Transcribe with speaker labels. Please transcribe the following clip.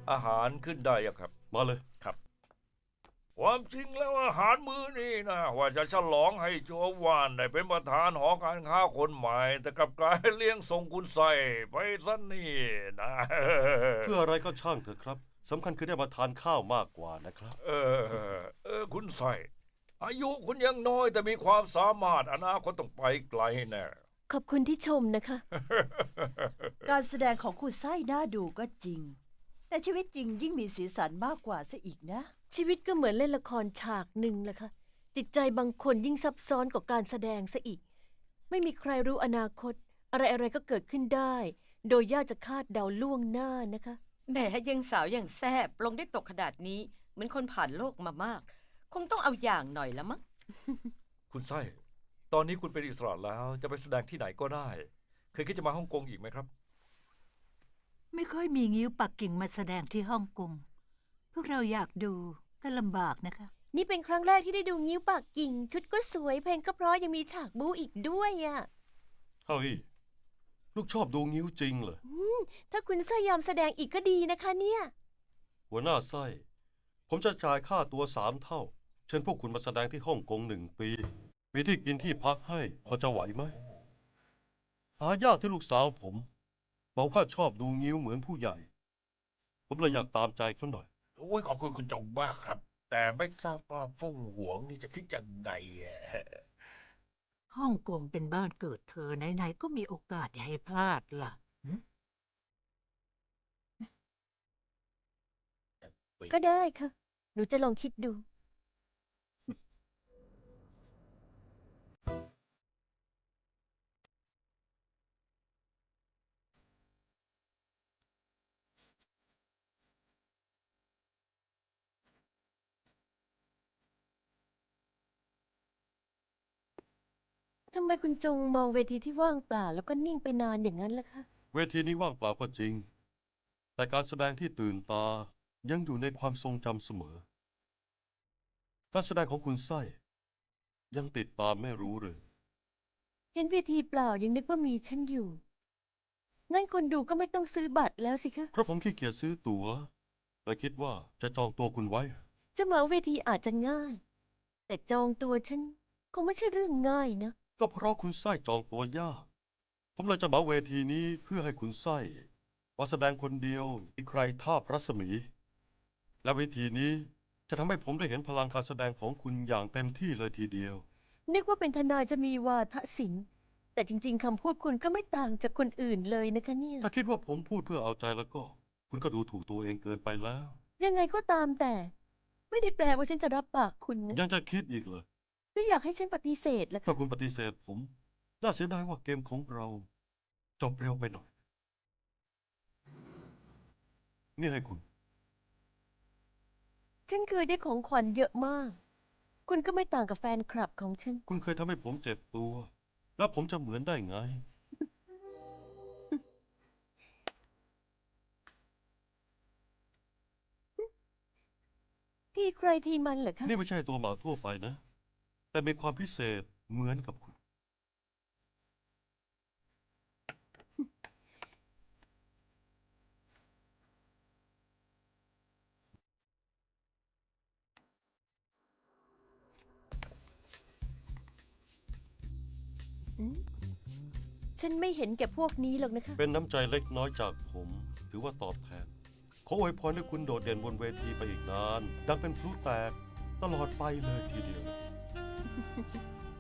Speaker 1: อาหารขึ้นได้ยังครับ
Speaker 2: มาเลย
Speaker 1: ความจริงแล้วอาหารมื้อนี้นะว่าจะฉลองให้โจวานได้เป็นประธานหอการค้าคนใหม่ แต่กลับกลายเลี้ยงส่งคุณใส่ไปซะนี่นะ
Speaker 2: เพื่ออะไรก็ช่างเถอะครับสำคัญคือได้มาทานข้าวมากกว่านะครับ
Speaker 1: คุณใส่อายุคุณยังน้อยแต่มีความสามารถอนาคตต้องไปไกลแน่
Speaker 3: ขอบคุณที่ชมนะคะ
Speaker 4: การแสดงของคุณไส้น่าดูก็จริง แต่ชีวิตจริงยิ่งมีสีสันมากกว่าซะอีกนะ
Speaker 3: ชีวิตก็เหมือนเล่นละครฉากหนึ่งแหละค่ะจิตใจบางคนยิ่งซับซ้อนกว่าการแสดงซะอีก ไม่มีใครรู้อนาคต อะไรๆก็เกิดขึ้นได้ โดยยากจะคาดเดาล่วงหน้านะคะ
Speaker 5: แหมยังสาวยังแซบลงได้ตกขนาดนี้เหมือนคนผ่านโลกมามาก คงต้องเอาอย่างหน่อยละมั้ง
Speaker 1: คุณไส้ตอนนี้คุณเป็นอิสระแล้วจะไปแสดงที่ไหนก็ได้ เคยคิดจะมาฮ่องกงอีกไหมครับ
Speaker 6: ไม่ค่อยมีงิ้วปักกิ่งมาแสดงที่ฮ่องกง พวกเราอยากดูก็ลำบากนะคะ
Speaker 3: นี่เป็นครั้งแรกที่ได้ดูงิ้วปากกิ่ง ชุดก็สวยเพลงก็เพราะยังมีฉากบู๊อีกด้วยอ่ะ
Speaker 2: เฮ้ย ลูกชอบดูงิ้วจริงเหรอ
Speaker 3: ถ้าคุณไส้ยอมแสดงอีกก็ดีนะคะเนี่ย
Speaker 2: หัวหน้าไส้ ผมจะจ่ายค่าตัว3 เท่า เชิญพวกคุณมาแสดงที่ฮ่องกง1 ปี มีที่กินที่พักให้ พอจะไหวไหม หายากที่ลูกสาวผมบอกว่าชอบดูงิ้วเหมือนผู้ใหญ่ ผมเลยอยากตามใจเขาหน่อย
Speaker 7: โอ้ยขอบคุณคุณจงมากครับ แต่ไม่ทราบว่าฟุ่งหวงนี่จะคิดยังไงอะ
Speaker 6: ฮ่องกงเป็นบ้านเกิดเธอไหนๆก็มีโอกาสอย่าให้พลาดล่ะ
Speaker 3: ก็ได้ค่ะ หนูจะลองคิดดู ทำไมคุณจงมองเวทีที่ว่างเปล่าแล้วก็นิ่งไปนานอย่างนั้นล่ะคะ
Speaker 2: เวทีนี้ว่างเปล่าก็จริง แต่การแสดงที่ตื่นตายังอยู่ในความทรงจำเสมอ การแสดงของคุณไส้ยังติดตามไม่รู้เลย
Speaker 3: เห็นเวทีเปล่ายังนึกว่ามีฉันอยู่ งั้นคนดูก็ไม่ต้องซื้อบัตรแล้วสิคะ
Speaker 2: เพราะผมขี้เกียจซื้อตั๋วและคิดว่าจะจองตัวคุณไว้
Speaker 3: จะเหมาเวทีอาจจะง่าย แต่จองตัวฉันคงไม่ใช่เรื่องง่ายนะ
Speaker 2: ก็เพราะคุณไส้จองตัวยาก ผมเลยจะเหมาเวทีนี้เพื่อให้คุณไส้มาแสดงคนเดียวอีกใครท่าพระสมี และเวทีนี้จะทำให้ผมได้เห็นพลังการแสดงของคุณอย่างเต็มที่เลยทีเดียว
Speaker 3: นึกว่าเป็นทนายจะมีวาทศิลป์แต่จริงๆคำพูดคุณก็ไม่ต่างจากคนอื่นเลยนะคะเนี่ย
Speaker 2: ถ้าคิดว่าผมพูดเพื่อเอาใจแล้วก็ คุณก็ดูถูกตัวเองเกินไปแล้ว
Speaker 3: ยังไงก็ตามแต่ ไม่ได้แปลว่าฉันจะรับปากคุณนะ
Speaker 2: ยังจะคิดอีกเหรอ
Speaker 3: หรืออยากให้ฉันปฏิเสธล่ะ
Speaker 2: ถ้า
Speaker 3: คะ
Speaker 2: คุณปฏิเสธผม น่าเสียดายว่าเกมของเราจบเร็วไปหน่อย นี่ให้คุณ
Speaker 3: ฉันเคยได้ของขวัญเยอะมาก คุณก็ไม่ต่างกับแฟนคลับของฉัน
Speaker 2: คุณเคยทำให้ผมเจ็บตัว แล้วผมจะเหมือนได้ไง
Speaker 3: ที่ใครที่มันเหรอคะ
Speaker 2: นี่ไม่ใช่ตัวหมาทั่วไปนะ แต่มีความพิเศษเหมือนกับคุณ
Speaker 3: ฉันไม่เห็นแก่พวกนี้หรอกนะคะ
Speaker 2: เป็นน้ำใจเล็กน้อยจากผม ถือว่าตอบแทน ขออวยพรให้คุณโดดเด่นบนเวทีไปอีกนาน ดังเป็นพลุแตกตลอดไปเลยทีเดียว